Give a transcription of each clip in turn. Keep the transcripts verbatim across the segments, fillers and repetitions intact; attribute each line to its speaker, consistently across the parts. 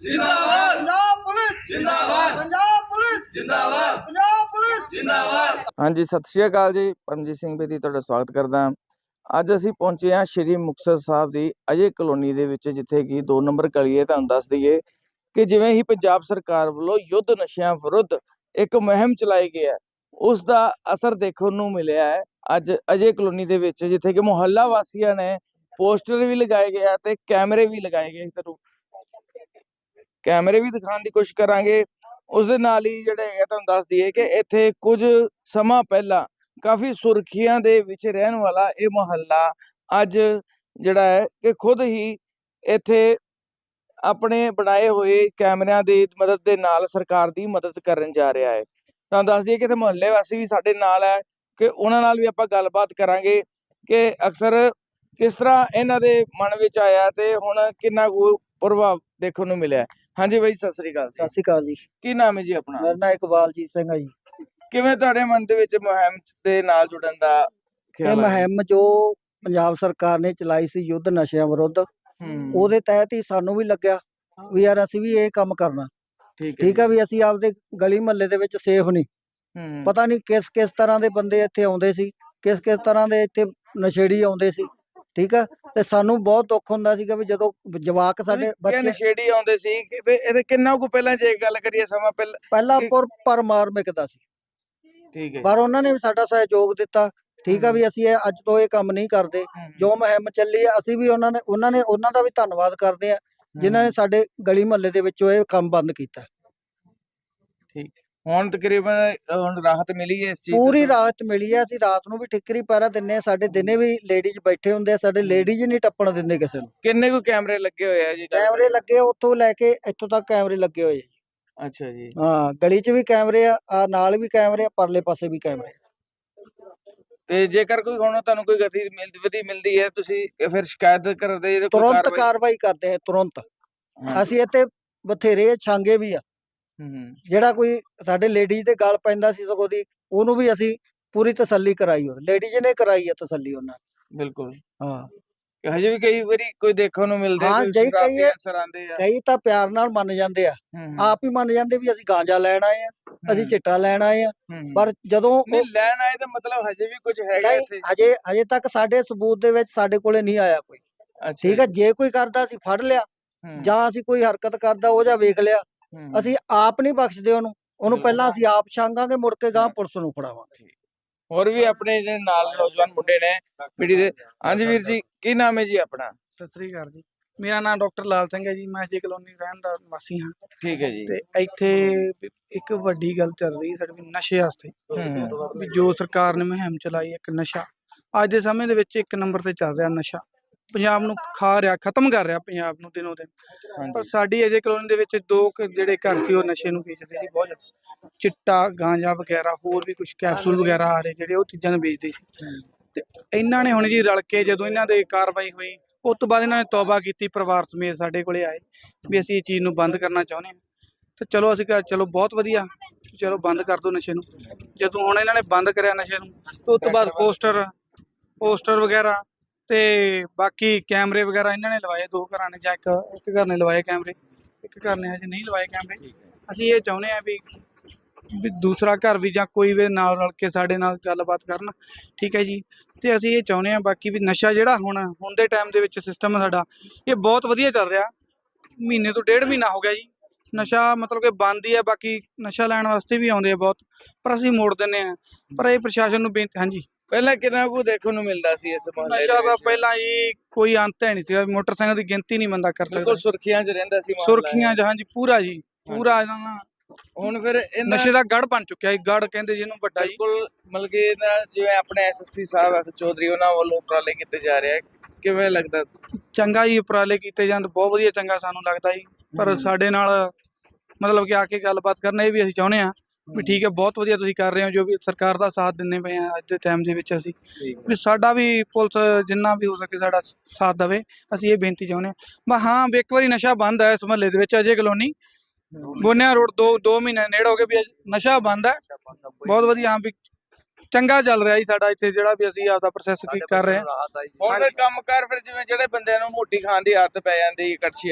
Speaker 1: जिंदाबाद पंजाब पुलिस जिंदाबाद पंजाब पुलिस जिंदाबाद पंजाब पुलिस जिंदाबाद।
Speaker 2: हाँ जी, सत श्री अकाल जी। परमजीत सिंह बेदी तुहाडा स्वागत करदा। ਅੱਜ ਅਸੀਂ ਪਹੁੰਚੇ ਹਾਂ ਸ਼੍ਰੀ ਮੁਕਤਸਰ ਸਾਹਿਬ ਦੀ ਅਜੇ ਕਲੋਨੀ ਦੇ ਵਿੱਚ, ਜਿੱਥੇ ਕਿ ਦੋ ਨੰਬਰ ਗਲੀ ਹੈ। ਤੁਹਾਨੂੰ ਦੱਸ ਦਈਏ ਕਿ ਜਿਵੇਂ ਹੀ ਪੰਜਾਬ ਸਰਕਾਰ ਵੱਲੋਂ ਯੁੱਧ ਨਸ਼ਿਆਂ ਵਿਰੁੱਧ ਇੱਕ ਮੁਹਿੰਮ ਚਲਾਈ ਗਈ ਹੈ, ਉਸ ਦਾ ਅਸਰ ਦੇਖਣ ਨੂੰ ਮਿਲਿਆ ਹੈ ਅੱਜ ਅਜੇ ਕਲੋਨੀ ਦੇ ਵਿੱਚ, ਜਿੱਥੇ ਕਿ ਮੁਹੱਲਾ ਵਾਸੀਆਂ ਨੇ ਪੋਸਟਰ ਵੀ ਲਗਾਏ ਗਏ ਤੇ ਕੈਮਰੇ ਵੀ ਲਗਾਏ ਗਏ। ਤੁਹਾਨੂੰ ਕੈਮਰੇ ਵੀ ਦਿਖਾਉਣ ਦੀ ਕੋਸ਼ਿਸ਼ ਕਰਾਂਗੇ। ਉਸ ਦੇ ਨਾਲ ਹੀ ਜਿਹੜੇ ਹੈਗੇ ਤੁਹਾਨੂੰ ਦੱਸ ਦਈਏ ਕਿ ਇੱਥੇ ਕੁਝ ਸਮਾਂ ਪਹਿਲਾਂ ਕਾਫੀ ਸੁਰਖੀਆਂ ਦੇ ਵਿੱਚ ਰਹਿਣ ਵਾਲਾ ਇਹ ਮੁਹੱਲਾ ਅੱਜ ਜਿਹੜਾ ਹੈ ਕਿ ਖੁਦ ਹੀ ਇੱਥੇ ਆਪਣੇ ਬਣਾਏ ਹੋਏ ਕੈਮਰਿਆਂ ਦੀ ਮਦਦ ਦੇ ਨਾਲ ਸਰਕਾਰ ਦੀ ਮਦਦ ਕਰਨ ਜਾ ਰਿਹਾ ਹੈ। ਤੁਹਾਨੂੰ ਦੱਸ ਦਈਏ ਕਿ ਇੱਥੇ ਮੁਹੱਲੇ ਵਾਸੀ ਵੀ ਸਾਡੇ ਨਾਲ ਹੈ, ਕਿ ਉਹਨਾਂ ਨਾਲ ਵੀ ਆਪਾਂ ਗੱਲਬਾਤ ਕਰਾਂਗੇ ਕਿ ਅਕਸਰ ਕਿਸ ਤਰ੍ਹਾਂ ਇਹਨਾਂ ਦੇ ਮਨ ਵਿੱਚ ਆਇਆ ਤੇ ਹੁਣ ਕਿੰਨਾ ਕੁ ਪ੍ਰਭਾਵ ਦੇਖਣ ਨੂੰ ਮਿਲਿਆ। ਹਾਂਜੀ ਬਾਈ, ਸਤਿ ਸ੍ਰੀ ਅਕਾਲ।
Speaker 3: ਸਤਿ ਸ਼੍ਰੀ ਅਕਾਲ ਜੀ।
Speaker 2: ਕੀ ਨਾਮ ਹੈ ਜੀ ਆਪਣਾ?
Speaker 3: ਮੇਰਾ ਨਾਮ ਇਕਬਾਲਜੀਤ ਸਿੰਘ ਹੈ ਜੀ।
Speaker 2: ਕਿਵੇਂ ਤੁਹਾਡੇ ਮਨ ਦੇ ਵਿੱਚ ਮੁਹਿੰਮ ਦੇ ਨਾਲ ਜੁੜਨ ਦਾ
Speaker 3: ਇਹ
Speaker 2: ਖਿਆਲ ਆਇਆ?
Speaker 3: ਮੁਹਿੰਮ ਜੋ ਪੰਜਾਬ ਸਰਕਾਰ ਨੇ ਚਲਾਈ ਸੀ ਯੁੱਧ ਨਸ਼ਿਆਂ ਵਿਰੁੱਧ,
Speaker 2: ਹੂੰ,
Speaker 3: ਉਹਦੇ ਤਹਿਤ ਹੀ ਸਾਨੂੰ ਵੀ ਲੱਗਿਆ ਵੀ ਯਾਰ ਅਸੀਂ ਵੀ ਇਹ ਕੰਮ ਕਰਨਾ।
Speaker 2: ਠੀਕ ਹੈ
Speaker 3: ਠੀਕ ਆ ਵੀ ਅਸੀਂ ਆਪਦੇ ਗਲੀ ਮੁਹੱਲੇ ਦੇ ਵਿੱਚ ਸੇਫ ਨਹੀਂ।
Speaker 2: ਹੂੰ,
Speaker 3: ਪਤਾ ਨਹੀਂ ਕਿਸ ਕਿਸ ਤਰ੍ਹਾਂ ਦੇ ਬੰਦੇ ਇੱਥੇ ਆਉਂਦੇ ਸੀ, ਕਿਸ ਕਿਸ ਤਰ੍ਹਾਂ ਦੇ ਇੱਥੇ ਨਸ਼ੇੜੀ ਆਉਂਦੇ ਸੀ। ਠੀਕ ਆ, ਤੇ ਸਾਨੂੰ ਬਹੁਤ ਦੁੱਖ ਹੁੰਦਾ ਸੀਗਾ ਵੀ ਜਦੋਂ ਜਵਾਕ ਸਾਡੇ
Speaker 2: ਕਿ
Speaker 3: ਬੱਚੇ
Speaker 2: ਨਸ਼ੇੜੀ ਆਉਂਦੇ ਸੀ ਕਿ ਤੇ ਇਹਦੇ ਕਿੰਨਾ ਕੁ ਪਹਿਲਾਂ ਜੇ ਗੱਲ ਕਰੀਏ ਸਮਾਂ ਪਹਿਲਾਂ?
Speaker 3: ਪਹਿਲਾਂ
Speaker 2: ਕਿ-
Speaker 3: ਪਰ ਪਰ ਮਾਰ ਮਿਕਦਾ ਸੀ,
Speaker 2: ਠੀਕ ਹੈ
Speaker 3: ਪਰ ਉਹਨਾਂ ਨੇ ਵੀ ਸਾਡਾ ਸਹਿਯੋਗ ਦਿੱਤਾ। ਠੀਕ ਆ ਵੀ ਅਸੀਂ ਇਹ ਅੱਜ ਤੋਂ ਇਹ ਕੰਮ ਨਹੀਂ ਕਰਦੇ।
Speaker 2: ਹੂੰ,
Speaker 3: ਜੋ ਮੁਹਿੰਮ ਚੱਲੀ ਆ ਅਸੀਂ ਵੀ ਉਹਨਾਂ ਨੇ ਉਹਨਾਂ ਨੇ ਉਹਨਾਂ ਦਾ ਵੀ ਧੰਨਵਾਦ ਕਰਦੇ ਆ ਜਿਨ੍ਹਾਂ ਨੇ ਸਾਡੇ ਗਲੀ ਮੁਹੱਲੇ ਦੇ ਵਿੱਚੋਂ ਇਹ ਕੰਮ ਬੰਦ ਕੀਤਾ।
Speaker 2: ਠੀਕ। ਹੁਣ ਤਕਰੀਬਨ ਅ, ਹੁਣ ਰਾਹਤ ਮਿਲੀ ਹੈ ਇਸ ਚੀਜ਼
Speaker 3: ਪੂਰੀ
Speaker 2: ਤੋਂ?
Speaker 3: ਰਾਤ ਮਿਲੀ ਆ। ਅਸੀਂ ਰਾਤ ਨੂੰ ਵੀ ਠਿੱਕਰੀ ਪਹਿਰਾ ਦਿੰਨੇ ਆ। ਸਾਡੇ ਦਿਨੇ ਵੀ ਲੇਡੀਜ਼ ਬੈਠੇ ਹੁੰਦੇ ਆ, ਸਾਡੇ ਲੇਡੀਜ਼ ਨਹੀਂ ਟੱਪਣ ਦਿੰਦੇ ਕਿਸੇ ਨੂੰ।
Speaker 2: ਕਿੰਨੇ ਕੁ ਕੈਮਰੇ ਲੱਗੇ ਹੋਏ ਆ ਜੀ?
Speaker 3: ਕੈਮਰੇ ਲੱਗੇ ਆ, ਉੱਥੋਂ ਲੈ ਕੇ ਇੱਥੋਂ ਤੱਕ ਕੈਮਰੇ ਲੱਗੇ ਹੋਏ ਆ।
Speaker 2: ਅੱਛਾ ਜੀ।
Speaker 3: ਹਾਂ, ਗਲੀ 'ਚ ਵੀ ਕੈਮਰੇ ਆ, ਆ ਨਾਲ ਵੀ ਕੈਮਰੇ ਆ, ਪਰਲੇ ਪਾਸੇ ਵੀ ਕੈਮਰੇ ਆ।
Speaker 2: ਤੇ ਜੇਕਰ ਕੋਈ ਹੁਣ ਤੁਹਾਨੂੰ ਕੋਈ ਗਤੀ ਮਿਲਦੀ ਮਿਲਦੀ ਹੈ, ਤੁਸੀਂ ਫਿਰ ਸ਼ਿਕਾਇਤ ਕਰਦੇ ਜੇ ਕੋਈ
Speaker 3: ਤੁਰੰਤ
Speaker 2: ਕਾਰਵਾਈ?
Speaker 3: ਕਾਰਵਾਈ ਕਰਦੇ ਆ, ਤੁਰੰਤ।
Speaker 2: ਹਾਂ।
Speaker 3: ਅਸੀਂ ਇੱਥੇ ਬਥੇਰੇ ਛਾਂਗੇ ਵੀ ਆ।
Speaker 2: ਹੂੰ,
Speaker 3: ਜਿਹੜਾ ਕੋਈ ਸਾਡੇ ਲੇਡੀਜ਼ ਦੇ ਗੱਲ ਪੈਂਦਾ ਸੀ ਸਗੋਂ ਦੀ, ਉਹਨੂੰ ਵੀ ਅਸੀਂ ਪੂਰੀ ਤਸੱਲੀ ਕਰਾਈ। ਉਹ ਲੇਡੀਜ਼ ਨੇ ਕਰਾਈ ਆ ਤਸੱਲੀ ਉਹਨਾਂ ਨੇ।
Speaker 2: ਬਿਲਕੁਲ।
Speaker 3: ਹਾਂ,
Speaker 2: ਕਿ ਹਜੇ ਵੀ ਕਈ ਵਾਰੀ ਕੋਈ ਦੇਖਣ ਨੂੰ ਮਿਲਦੇ
Speaker 3: ਹਾਂ,
Speaker 2: ਕੋਈ
Speaker 3: ਜੇ ਕਈ
Speaker 2: ਸ਼ਰਾਬੀ
Speaker 3: ਇਹ-
Speaker 2: ਅਨਸਰ ਆਉਂਦੇ ਆ।
Speaker 3: ਕਈ ਤਾਂ ਪਿਆਰ ਨਾਲ ਮੰਨ ਜਾਂਦੇ ਆ,
Speaker 2: ਹੂੰ,
Speaker 3: ਆਪ ਹੀ ਮੰਨ ਜਾਂਦੇ ਵੀ ਅਸੀਂ ਗਾਂਜਾ ਲੈਣ ਆਏ ਆ, ਅਸੀਂ
Speaker 2: ਹੂੰ,
Speaker 3: ਚਿੱਟਾ ਲੈਣ ਆਏ ਆ।
Speaker 2: ਹੂੰ।
Speaker 3: ਪਰ ਜਦੋਂ ਉਹ-
Speaker 2: ਨਹੀਂ ਲੈਣ ਆਏ ਤਾਂ ਮਤਲਬ ਹਜੇ ਵੀ ਕੁਝ ਹੈਗਾ
Speaker 3: ਨਹੀਂ,
Speaker 2: ਇੱਥੇ?
Speaker 3: ਹਜੇ ਹਜੇ ਤੱਕ ਸਾਡੇ ਸਬੂਤ ਦੇ ਵਿੱਚ ਸਾਡੇ ਕੋਲੇ ਨਹੀਂ ਆਇਆ ਕੋਈ।
Speaker 2: ਅੱਛਾ
Speaker 3: ਠੀਕ ਆ,
Speaker 2: ਜੀ।
Speaker 3: ਜੇ ਕੋਈ ਕਰਦਾ ਅਸੀਂ ਫੜ ਲਿਆ,
Speaker 2: ਹੂੰ,
Speaker 3: ਜਾਂ ਅਸੀਂ ਕੋਈ ਹਰਕਤ ਕਰਦਾ ਉਹ ਜਾਂ ਵੇਖ ਲਿਆ,
Speaker 2: ਹੂੰ।
Speaker 3: ਅਸੀਂ ਆਪ ਨਹੀਂ ਬਖਸ਼ਦੇ ਉਹਨੂੰ। ਉਹਨੂੰ
Speaker 2: ਬਿਲਕੁਲ।
Speaker 3: ਪਹਿਲਾਂ ਅਸੀਂ ਆਪ ਛਾਂਗਾਂਗੇ, ਮੁੜ ਕੇ ਗਾਂ ਪੁਲਿਸ ਨੂੰ ਫੜਾਵਾਂਗੇ।
Speaker 2: ਹੋਰ ਵੀ ਆਪਣੇ ਜਿਹੜੇ ਨਾਲ ਨੌਜਵਾਨ ਮੁੰਡੇ ਨੇ ਪੀੜੀ ਦੇ। ਹਾਂਜੀ ਵੀਰ ਜੀ, ਕੀ ਨਾਮ ਹੈ ਜੀ ਆਪਣਾ?
Speaker 4: ਸਤਿ ਸ੍ਰੀ ਅਕਾਲ ਜੀ। ਮੇਰਾ ਨਾਮ ਡਾਕਟਰ ਲਾਲ ਸਿੰਘ ਹੈ ਜੀ। ਮੈਂ ਅਜੇ ਕਲੋਨੀ ਰਹਿਣ ਦਾ ਵਾਸੀ ਹਾਂ।
Speaker 2: ਠੀਕ ਹੈ ਜੀ।
Speaker 4: ਤੇ ਇੱਥੇ ਵੀ ਇੱਕ ਵੱਡੀ ਗੱਲ ਚੱਲ ਰਹੀ ਸਾਡੇ ਵੀ ਨਸ਼ੇ ਵਾਸਤੇ,
Speaker 2: ਹੂੰ,
Speaker 4: ਵੀ ਜੋ ਸਰਕਾਰ ਨੇ ਮੁਹਿੰਮ ਚਲਾਈ ਇੱਕ ਨਸ਼ਾ ਅੱਜ ਦੇ ਸਮੇਂ ਦੇ ਵਿੱਚ ਇੱਕ ਨੰਬਰ ਤੇ ਚੱਲ ਰਿਹਾ। ਨਸ਼ਾ ਪੰਜਾਬ ਨੂੰ ਖਾ ਰਿਹਾ, ਖਤਮ ਕਰ ਰਿਹਾ ਪੰਜਾਬ ਨੂੰ ਦਿਨੋਂ ਦਿਨ। ਪਰ
Speaker 2: ਹਾਂਜੀ।
Speaker 4: ਸਾਡੀ ਅਜੇ ਕਲੋਨੀ ਦੇ ਵਿੱਚ ਦੋ ਕੁ ਜਿਹੜੇ ਘਰ ਸੀ ਉਹ ਨਸ਼ੇ ਨੂੰ ਵੇਚਦੇ ਸੀ ਬਹੁਤ ਜ਼ਿਆਦਾ। ਚਿੱਟਾ, ਗਾਂਜਾ ਵਗੈਰਾ, ਹੋਰ ਵੀ ਕੁਝ ਕੈਪਸੂਲ ਵਗੈਰਾ ਆ ਰਹੇ ਜਿਹੜੇ ਉਹ ਚੀਜ਼ਾਂ ਨੂੰ ਵੇਚਦੇ ਸੀ। ਤੇ ਇਹਨਾਂ ਨੇ ਹੁਣ ਜੀ ਰਲ ਕੇ ਜਦੋਂ ਇਹਨਾਂ ਦੇ ਕਾਰਵਾਈ ਹੋਈ, ਉਸ ਤੋਂ ਬਾਅਦ ਇਹਨਾਂ ਨੇ ਤੌਬਾ ਕੀਤੀ, ਪਰਿਵਾਰ ਸਮੇਤ ਸਾਡੇ ਕੋਲੇ ਆਏ ਵੀ ਅਸੀਂ ਇਹ ਚੀਜ਼ ਨੂੰ ਬੰਦ ਕਰਨਾ ਚਾਹੁੰਦੇ ਹਾਂ। ਤੇ ਚਲੋ ਅਸੀਂ ਕਿਹਾ ਚਲੋ ਬਹੁਤ ਵਧੀਆ, ਚਲੋ ਬੰਦ ਕਰ ਦਿਓ ਨਸ਼ੇ ਨੂੰ। ਜਦੋਂ ਹੁਣ ਇਹਨਾਂ ਨੇ ਬੰਦ ਕਰਿਆ ਨਸ਼ੇ ਨੂੰ, ਤੇ ਉਸ ਤੋਂ ਬਾਅਦ ਪੋਸਟਰ ਪੋਸਟਰ ਵਗੈਰਾ ਤੇ ਬਾਕੀ ਕੈਮਰੇ ਵਗੈਰਾ ਇਹਨਾਂ ਨੇ ਲਵਾਏ। ਦੋ ਘਰਾਂ ਨੇ ਜਾਂ ਇੱਕ ਇੱਕ ਘਰ ਨੇ ਲਵਾਏ ਕੈਮਰੇ, ਇੱਕ ਘਰ ਨੇ ਹਜੇ ਨਹੀਂ ਲਵਾਏ ਕੈਮਰੇ। ਅਸੀਂ ਇਹ ਚਾਹੁੰਦੇ ਹਾਂ ਵੀ ਵੀ ਦੂਸਰਾ ਘਰ ਵੀ ਜਾਂ ਕੋਈ ਵੀ ਨਾਲ ਰਲ ਕੇ ਸਾਡੇ ਨਾਲ ਗੱਲਬਾਤ ਕਰਨ। ਠੀਕ ਹੈ ਜੀ। ਤੇ ਅਸੀਂ ਇਹ ਚਾਹੁੰਦੇ ਹਾਂ ਬਾਕੀ ਵੀ ਨਸ਼ਾ ਜਿਹੜਾ ਹੁਣ ਹੁਣ ਦੇ ਟਾਈਮ ਦੇ ਵਿੱਚ ਸਿਸਟਮ ਸਾਡਾ ਇਹ ਬਹੁਤ ਵਧੀਆ ਚੱਲ ਰਿਹਾ। ਮਹੀਨੇ ਤੋਂ ਡੇਢ ਮਹੀਨਾ ਹੋ ਗਿਆ ਜੀ ਨਸ਼ਾ ਮਤਲਬ ਕਿ ਬੰਦ ਹੀ ਹੈ। ਬਾਕੀ ਨਸ਼ਾ ਲੈਣ ਵਾਸਤੇ ਵੀ ਆਉਂਦੇ ਆ ਬਹੁਤ, ਪਰ ਅਸੀਂ ਮੋੜ ਦਿੰਦੇ ਹਾਂ। ਪਰ ਇਹ ਪ੍ਰਸ਼ਾਸਨ ਨੂੰ ਬੇਨਤੀ। ਹਾਂਜੀ,
Speaker 2: ਪਹਿਲਾਂ ਕਿੰਨਾ ਕੁ ਦੇਖਣ ਨੂੰ ਮਿਲਦਾ ਸੀ ਇਸ ਮੁਹੱਲੇ ਦੇ
Speaker 4: ਨਸ਼ਾ ਦਾ
Speaker 2: ਵਿੱਚ?
Speaker 4: ਪਹਿਲਾਂ ਜੀ ਕੋਈ ਅੰਤ ਹੈ ਨਹੀਂ ਸੀਗਾ। ਮੋਟਰਸਾਈਕਲ ਦੀ ਗਿਣਤੀ ਨਹੀਂ ਬੰਦਾ ਕਰ
Speaker 2: ਬਿਲਕੁਲ
Speaker 4: ਸਕਦਾ।
Speaker 2: ਸੁਰਖੀਆਂ 'ਚ ਰਹਿੰਦਾ ਸੀ ਮੁਹੱਲਾ।
Speaker 4: ਸੁਰਖੀਆਂ ਜਹਾਂ ਜੀ ਪੂਰਾ ਜੀ ਪੂਰਾ ਇਹਨਾਂ ਨਾਲ
Speaker 2: ਹੁਣ ਫਿਰ ਇਹਨਾਂ
Speaker 4: ਨਸ਼ੇ ਦਾ ਗੜ ਬਣ ਚੁੱਕਿਆ ਜੀ। ਗੜ ਕਹਿੰਦੇ ਜਿਹਨੂੰ ਵੱਡਾ ਜੀ।
Speaker 2: ਬਿਲਕੁਲ ਮਤਲਬ ਕਿ ਇਹਦਾ ਜਿਵੇਂ ਆਪਣੇ ਐਸਐਸਪੀ ਸਾਹਿਬ ਅਖ ਚੌਧਰੀ ਉਹਨਾਂ ਵੱਲੋਂ ਉਪਰਾਲੇ ਕੀਤੇ ਜਾ ਰਹੇ ਆ, ਕਿਵੇਂ ਲੱਗਦਾ?
Speaker 4: ਚੰਗਾ ਜੀ, ਉਪਰਾਲੇ ਕੀਤੇ ਜਾਣ ਬਹੁਤ ਵਧੀਆ, ਚੰਗਾ ਸਾਨੂੰ ਲੱਗਦਾ ਜੀ। ਪਰ
Speaker 2: ਹੂੰ।
Speaker 4: ਸਾਡੇ ਨਾਲ ਮਤਲਬ ਕਿ ਆ ਕੇ ਗੱਲਬਾਤ ਕਰਨਾ ਇਹ ਵੀ ਅਸੀਂ ਚਾਹੁੰਦੇ ਹਾਂ ਵੀ ਠੀਕ ਹੈ, ਬਹੁਤ ਵਧੀਆ ਤੁਸੀਂ ਕਰ ਰਹੇ ਹੋ, ਜੋ ਵੀ ਸਰਕਾਰ ਦਾ ਸਾਥ ਦਿੰਦੇ ਪਏ ਆ ਅੱਜ ਦੇ ਟਾਈਮ ਦੇ ਵਿੱਚ। ਅਸੀਂ ਵੀ ਸਾਡਾ ਵੀ ਪੁਲਿਸ ਜਿੰਨਾ ਵੀ ਹੋ ਸਕੇ ਸਾਡਾ ਸਾਥ ਦੇਵੇ, ਅਸੀਂ ਇਹ ਬੇਨਤੀ ਚਾਹੁੰਦੇ ਹਾਂ। ਬਸ ਹਾਂ ਵੀ ਇੱਕ ਵਾਰੀ ਨਸ਼ਾ ਬੰਦ ਹੈ ਇਸ ਮਹੱਲੇ ਦੇ ਵਿੱਚ ਅਜੇ ਕਲੋਨੀ ਗੋਨਿਆ ਰੋਡ ਦੋ ਦੋ ਮਹੀਨੇ ਨੇੜੇ ਹੋ ਗਏ ਵੀ ਨਸ਼ਾ ਬੰਦ ਹੈ। ਬਹੁਤ ਵਧੀਆ, ਹਾਂ ਵੀ ਚੰਗਾ ਚੱਲ ਰਿਹਾ ਜੀ ਸਾਡਾ ਇੱਥੇ ਜਿਹੜਾ ਵੀ ਅਸੀਂ ਆਪਦਾ ਪ੍ਰੋਸੈਸ ਕਰ ਰਹੇ ਹਾਂ।
Speaker 2: ਹੁਣ ਫਿਰ ਕੰਮਕਾਰ ਫਿਰ ਜਿਵੇਂ ਜਿਹੜੇ ਬੰਦਿਆਂ ਨੂੰ ਮੋਟੀ ਖਾਣ ਦੀ ਆਦਤ ਪੈ ਜਾਂਦੀ ਕੜਛੀਆਂ ਨਾਲ,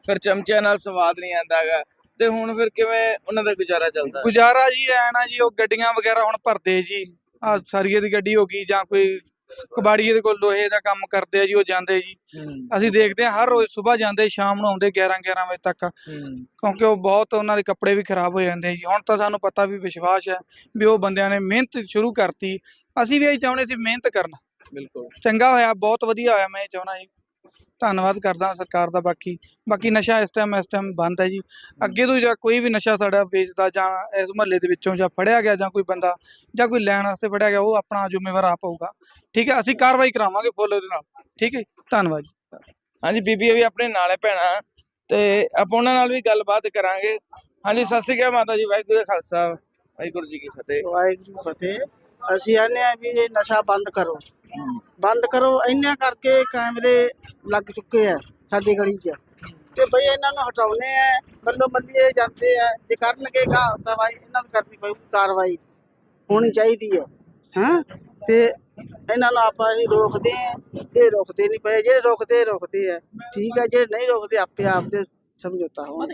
Speaker 2: ਫਿਰ ਚਮਚਿਆਂ ਨਾਲ ਸਵਾਦ ਨਹੀਂ ਆਉਂਦਾ ਹੈਗਾ, ਤੇ ਹੁਣ ਫਿਰ ਕਿਵੇਂ ਉਹਨਾਂ ਦਾ ਗੁਜ਼ਾਰਾ ਚੱਲਦਾ?
Speaker 4: ਗੁਜ਼ਾਰਾ ਜੀ ਐ ਨਾ ਜੀ, ਉਹ ਗੱਡੀਆਂ ਵਗੈਰਾ ਹੁਣ ਭਰਦੇ ਜੀ, ਆ ਸਰੀਏ ਦੀ ਗੱਡੀ ਹੋ ਗਈ ਜਾਂ ਕੋਈ ਕਬਾੜੀਏ ਦੇ ਕੋਲ ਲੋਹੇ ਦਾ ਕੰਮ ਕਰਦੇ ਆ ਜੀ, ਉਹ ਜਾਂਦੇ ਜੀ। ਅਸੀਂ ਦੇਖਦੇ ਹਾਂ ਹਰ ਰੋਜ਼ ਸਵੇਰ ਜਾਂਦੇ, ਸ਼ਾਮ ਨੂੰ ਆਉਂਦੇ ਗਿਆਰਾਂ ਗਿਆਰਾਂ ਵਜੇ ਤੱਕ, ਕਿਉਂਕਿ ਉਹ ਬਹੁਤ ਉਹਨਾਂ ਦੇ ਕੱਪੜੇ ਵੀ ਖਰਾਬ ਹੋ ਜਾਂਦੇ ਜੀ। ਹੁਣ ਤਾਂ ਸਾਨੂੰ ਪਤਾ ਵੀ ਵਿਸ਼ਵਾਸ ਹੈ ਵੀ ਉਹ ਬੰਦਿਆਂ ਨੇ ਮਿਹਨਤ ਸ਼ੁਰੂ ਕਰਤੀ, ਅਸੀਂ ਵੀ ਇਹ ਚਾਹੁੰਦੇ ਸੀ ਮਿਹਨਤ ਕਰਨਾ।
Speaker 2: ਬਿਲਕੁਲ
Speaker 4: ਚੰਗਾ ਹੋਇਆ, ਬਹੁਤ ਵਧੀਆ ਹੋਇਆ, ਮੈਂ ਇਹ ਚਾਹੁੰਦਾ ਜੀ। ਧੰਨਵਾਦ ਕਰਦਾ ਸਰਕਾਰ ਦਾ। ਬਾਕੀ ਬਾਕੀ ਨਸ਼ਾ ਇਸ ਟਾਈਮ ਇਸ ਟਾਈਮ ਬੰਦ ਹੈ ਜੀ। ਅੱਗੇ ਤੋਂ ਜਾਂ ਕੋਈ ਵੀ ਨਸ਼ਾ ਸਾਡਾ ਵੇਚਦਾ ਜਾਂ ਇਸ ਮੁਹੱਲੇ ਦੇ ਵਿੱਚੋਂ ਜਾਂ ਫੜਿਆ ਗਿਆ ਜਾਂ ਕੋਈ ਬੰਦਾ ਜਾਂ ਕੋਈ ਲੈਣ ਵਾਸਤੇ ਫੜਿਆ ਗਿਆ, ਉਹ ਆਪਣਾ ਜ਼ਿੰਮੇਵਾਰ ਆਪ ਹੋਊਗਾ। ਠੀਕ ਹੈ, ਅਸੀਂ ਕਾਰਵਾਈ ਕਰਾਵਾਂਗੇ ਫੁੱਲ ਉਹਦੇ ਨਾਲ। ਠੀਕ ਹੈ, ਧੰਨਵਾਦ ਜੀ।
Speaker 2: ਹਾਂਜੀ, ਬੀਬੀਆਂ ਵੀ ਆਪਣੇ ਨਾਲ ਹੈ ਭੈਣਾਂ, ਤੇ ਆਪਾਂ ਉਹਨਾਂ ਨਾਲ ਵੀ ਗੱਲਬਾਤ ਕਰਾਂਗੇ। ਹਾਂਜੀ, ਸਤਿ ਸ੍ਰੀ ਅਕਾਲ ਮਾਤਾ ਜੀ। ਵਾਹਿਗੁਰੂ ਜੀ ਕਾ ਖਾਲਸਾ, ਵਾਹਿਗੁਰੂ ਜੀ ਕੀ ਫਤਿਹ।
Speaker 5: ਵਾਹਿਗੁਰੂ ਫਤਿਹ। ਅਸੀਂ ਆਨੇ ਆ ਵੀ ਇਹ ਨਸ਼ਾ ਬੰਦ ਕਰੋ, ਬੰਦ ਕਰੋ। ਇੰਨਾ ਕਰਕੇ ਕੈਮਰੇ ਲੱਗ ਚੁੱਕੇ ਆ ਸਾਡੀ ਗਲੀ 'ਚ, ਤੇ ਬਈ ਇਹਨਾਂ ਨੂੰ ਹਟਾਉਣੇ ਆ। ਮੱਲੋ ਮੱਲੀ ਇਹ ਜਾਂਦੇ ਆ, ਜੇ ਕਰਨਗੇ ਗਾ ਤਾਂ ਬਾਈ ਇਹਨਾਂ ਨੂੰ ਕਰਨੀ ਪਊਗੀ, ਕਾਰਵਾਈ ਹੋਣੀ ਚਾਹੀਦੀ ਹੈ। ਹਾਂ, ਤੇ ਇਹਨਾਂ ਨੂੰ ਆਪਾਂ ਅਸੀਂ ਰੋਕਦੇ ਆ, ਇਹ ਰੋਕਦੇ ਨਹੀਂ ਪਏ। ਜਿਹੜੇ ਰੋਕਦੇ ਰੋਕਦੇ ਆ, ਠੀਕ ਹੈ। ਜਿਹੜੇ ਨਹੀਂ ਰੋਕਦੇ ਆਪੇ ਆਪ ਤੇ ਸਮਝੌਤਾ ਹੋ।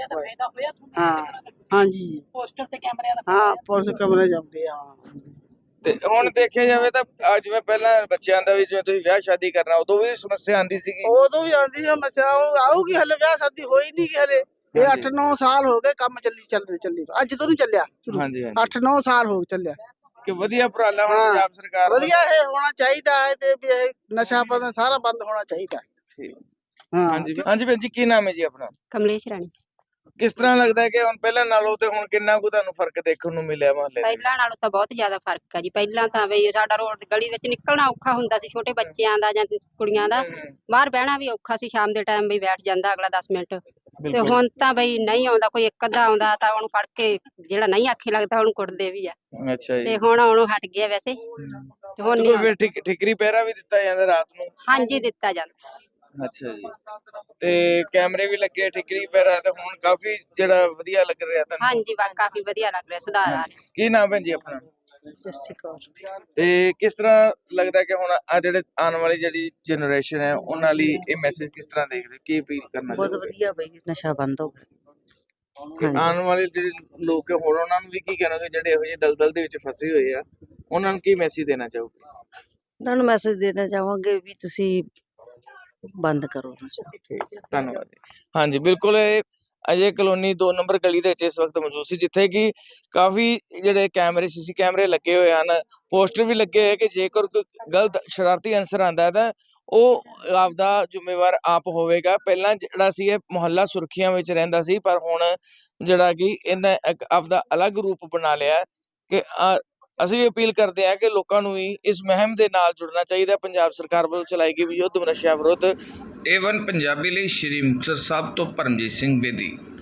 Speaker 5: ਹਾਂ, ਹਾਂਜੀ,
Speaker 6: ਪੋਸਟਰ ਤੇ ਕੈਮਰਿਆਂ ਦਾ
Speaker 5: ਹਾਂ, ਪੁਲਿਸ ਕਮਰੇ ਜਾਂਦੇ ਆ।
Speaker 2: ਤੇ ਹੁਣ ਦੇਖਿਆ ਜਾਵੇ ਤਾਂ ਆ ਜਿਵੇਂ ਪਹਿਲਾਂ ਬੱਚਿਆਂ ਦਾ ਵੀ, ਜਿਵੇਂ ਤੁਸੀਂ ਵਿਆਹ ਸ਼ਾਦੀ ਕਰਨਾ, ਉਦੋਂ ਵੀ ਸਮੱਸਿਆ ਆਉਂਦੀ ਸੀਗੀ।
Speaker 5: ਉਦੋਂ ਵੀ ਆਉਂਦੀ ਸੀ ਸਮੱਸਿਆ, ਉਹ ਆਊਗੀ। ਹਲੇ ਵਿਆਹ ਸ਼ਾਦੀ ਹੋਈ ਨਹੀਂ ਗੀ ਹਲੇ। ਇਹ ਅੱਠ ਨੌ ਸਾਲ ਹੋ ਗਏ ਕੰਮ ਚੱਲੀ ਚੱਲਦੇ ਚੱਲੀ, ਅੱਜ ਤੋਂ ਨਹੀਂ ਚੱਲਿਆ ਸ਼ੁਰੂ।
Speaker 2: ਹਾਂਜੀ ਹਾਂਜੀ,
Speaker 5: ਅੱਠ ਨੌ ਸਾਲ ਹੋ ਗਏ ਚੱਲਿਆ।
Speaker 2: ਕਿ ਵਧੀਆ ਉਪਰਾਲਾ ਹੁਣ
Speaker 5: ਹਾਂ,
Speaker 2: ਪੰਜਾਬ ਸਰਕਾਰ ਦਾ।
Speaker 5: ਵਧੀਆ ਇਹ ਹੋਣਾ ਚਾਹੀਦਾ ਹੈ, ਤੇ ਵੀ ਇਹ ਨਸ਼ਾ ਪਤਾ ਸਾਰਾ ਬੰਦ ਹੋਣਾ ਚਾਹੀਦਾ।
Speaker 2: ਠੀਕ।
Speaker 5: ਹਾਂ,
Speaker 2: ਹਾਂਜੀ ਹਾਂਜੀ ਭੈਣ ਜੀ, ਕੀ ਨਾਮ ਹੈ ਜੀ ਆਪਣਾ?
Speaker 6: ਕਮਲੇਸ਼ ਰਾਣੀ।
Speaker 2: ਕਿਸ ਤਰ੍ਹਾਂ ਲੱਗਦਾ ਹੈ ਕਿ ਹੁਣ ਪਹਿਲਾਂ ਨਾਲੋਂ ਤੇ ਹੁਣ ਕਿੰਨਾ ਕੁ ਤੁਹਾਨੂੰ ਫਰਕ ਦੇਖਣ ਨੂੰ ਮਿਲਿਆ ਮੁਹੱਲੇ ਦੇ ਵਿੱਚ?
Speaker 6: ਪਹਿਲਾਂ ਨਾਲੋਂ ਤਾਂ ਬਹੁਤ ਜ਼ਿਆਦਾ ਫਰਕ ਹੈ ਜੀ। ਪਹਿਲਾਂ ਤਾਂ ਬਈ ਸਾਡਾ ਰੋਡ ਗਲੀ ਵਿੱਚ ਨਿਕਲਣਾ ਔਖਾ ਹੁੰਦਾ ਸੀ, ਛੋਟੇ ਬੱਚਿਆਂ ਦਾ ਜਾਂ ਕੁੜੀਆਂ ਦਾ।
Speaker 2: ਹਮ,
Speaker 6: ਬਾਹਰ ਬਹਿਣਾ ਵੀ ਔਖਾ ਸੀ, ਸ਼ਾਮ ਦੇ ਟਾਈਮ ਵੀ ਬੈਠ ਜਾਂਦਾ ਅਗਲਾ ਦਸ ਮਿੰਟ। ਤੇ
Speaker 2: ਬਿਲਕੁਲ।
Speaker 6: ਹੁਣ ਤਾਂ ਬਈ ਨਹੀਂ ਆਉਂਦਾ ਕੋਈ, ਇੱਕ ਅੱਧਾ ਆਉਂਦਾ ਤਾਂ ਉਹਨੂੰ ਫੜ ਕੇ, ਜਿਹੜਾ ਨਹੀਂ ਆਖੇ ਲੱਗਦਾ ਉਹਨੂੰ ਕੁੱਟਦੇ ਵੀ ਆ।
Speaker 2: ਅੱਛਾ ਜੀ।
Speaker 6: ਤੇ ਹੁਣ ਉਹਨੂੰ ਹਟ ਗਿਆ ਵੈਸੇ, ਤੇ ਹੁਣ
Speaker 2: ਤੇ
Speaker 6: ਨਹੀਂ
Speaker 2: ਕੋਈ ਫਿਰ ਠਿਕ- ਠਿਕਰੀ ਪਹਿਰਾ ਵੀ ਦਿੱਤਾ ਜਾਂਦਾ ਰਾਤ ਨੂੰ?
Speaker 6: ਹਾਂਜੀ ਦਿੱਤਾ ਜਾਂਦਾ।
Speaker 2: ਅੱਛਾ ਜੀ। ਤੇ ਕੈਮਰੇ ਵੀ ਲੱਗੇ, ਠਿਕਰੀ ਪਹਿਰਾ, ਤੇ ਹੁਣ ਕਾਫੀ ਜਿਹੜਾ ਵਧੀਆ ਲੱਗ ਰਿਹਾ ਤੁਹਾਨੂੰ?
Speaker 6: ਹਾਂਜੀ ਬਾ ਕਾਫੀ ਵਧੀਆ ਲੱਗ ਰਿਹਾ, ਸੁਧਾਰ ਆ ਰਿਹਾ।
Speaker 2: ਕੀ ਨਾਮ ਭੈਣ ਜੀ ਆਪਣਾ?
Speaker 5: ਜੱਸੀ ਕੌਰ।
Speaker 2: ਤੇ ਕਿਸ ਤਰ੍ਹਾਂ ਲੱਗਦਾ ਕਿ ਹੁਣ ਆ ਜਿਹੜੇ ਆਉਣ ਵਾਲੀ ਜਿਹੜੀ ਜਨਰੇਸ਼ਨ ਹੈ ਉਹਨਾਂ ਲਈ ਇਹ ਮੈਸੇਜ ਕਿਸ ਤਰ੍ਹਾਂ ਦੇਖ ਰਹੇ, ਕੀ ਅਪੀਲ ਕਰਨਾ
Speaker 5: ਬਹੁਤ
Speaker 2: ਚਾਹੋਗੇ?
Speaker 5: ਵਧੀਆ ਬਈ, ਨਸ਼ਾ ਬੰਦ ਹੋ ਗਿਆ।
Speaker 2: ਕਿ ਆਉਣ ਵਾਲੇ ਜਿਹੜੇ ਲੋਕ ਹੈ ਹੋਰ ਉਹਨਾਂ ਨੂੰ ਵੀ ਕੀ ਕਹਿਣਗੇ ਜਿਹੜੇ ਇਹੋ ਜਿਹੇ ਦਲਦਲ ਦੇ ਵਿੱਚ ਫਸੇ ਹੋਏ ਆ, ਉਹਨਾਂ ਨੂੰ ਕੀ ਮੈਸੇਜ ਦੇਣਾ ਚਾਹੋਗੇ?
Speaker 5: ਉਹਨਾਂ ਨੂੰ ਮੈਸੇਜ ਦੇਣਾ ਚਾਹਾਂਗੇ ਵੀ ਤੁਸੀਂ ਬੰਦ ਕਰੋ ਨਸ਼ਾ।
Speaker 2: ਠੀਕ ਹੈ, ਧੰਨਵਾਦ ਜੀ। ਹਾਂਜੀ, ਬਿਲਕੁਲ ਇਹ ਅਜੇ ਕਲੋਨੀ ਦੋ ਨੰਬਰ ਗਲੀ ਦੇ ਵਿੱਚ ਇਸ ਵਕਤ ਮੌਜੂਦ ਸੀ, ਜਿੱਥੇ ਕਿ ਕਾਫੀ ਜਿਹੜੇ ਕੈਮਰੇ ਸੀਸੀ ਕੈਮਰੇ ਲੱਗੇ ਹੋਏ ਹਨ, ਪੋਸਟਰ ਵੀ ਲੱਗੇ ਹੋਏ ਕਿ ਜੇਕਰ ਕੋਈ ਗਲਤ ਸ਼ਰਾਰਤੀ ਅਨਸਰ ਆਂਦਾ ਤਾਂ ਉਹ ਆਪਦਾ ਜ਼ਿੰਮੇਵਾਰ ਆਪ ਹੋਵੇਗਾ। ਪਹਿਲਾਂ ਜਿਹੜਾ ਸੀ ਇਹ ਮੁਹੱਲਾ ਸੁਰਖੀਆਂ ਵਿੱਚ ਰਹਿੰਦਾ ਸੀ, ਪਰ ਹੁਣ ਜਿਹੜਾ ਕਿ ਇਹਨੇ ਇੱਕ ਆਪਦਾ ਅਲੱਗ ਰੂਪ ਬਣਾ ਲਿਆ ਕਿ ਅ- ਅਸੀਂ ਵੀ ਅਪੀਲ ਕਰਦੇ ਹਾਂ ਕਿ ਲੋਕਾਂ ਨੂੰ ਵੀ ਇਸ ਮੁਹਿੰਮ ਦੇ ਨਾਲ ਜੁੜਨਾ ਚਾਹੀਦਾ। ਪੰਜਾਬ ਸਰਕਾਰ ਵੱਲੋਂ ਚਲਾਈ ਗਈ ਯੁੱਧ ਨਸ਼ਿਆਂ ਵਿਰੁੱਧ। ਏ ਵਨ ਪੰਜਾਬੀ ਲਈ ਸ਼੍ਰੀ ਮੁਕਤਸਰ ਸਾਹਿਬ ਤੋਂ ਪਰਮਜੀਤ ਸਿੰਘ ਬੇਦੀ।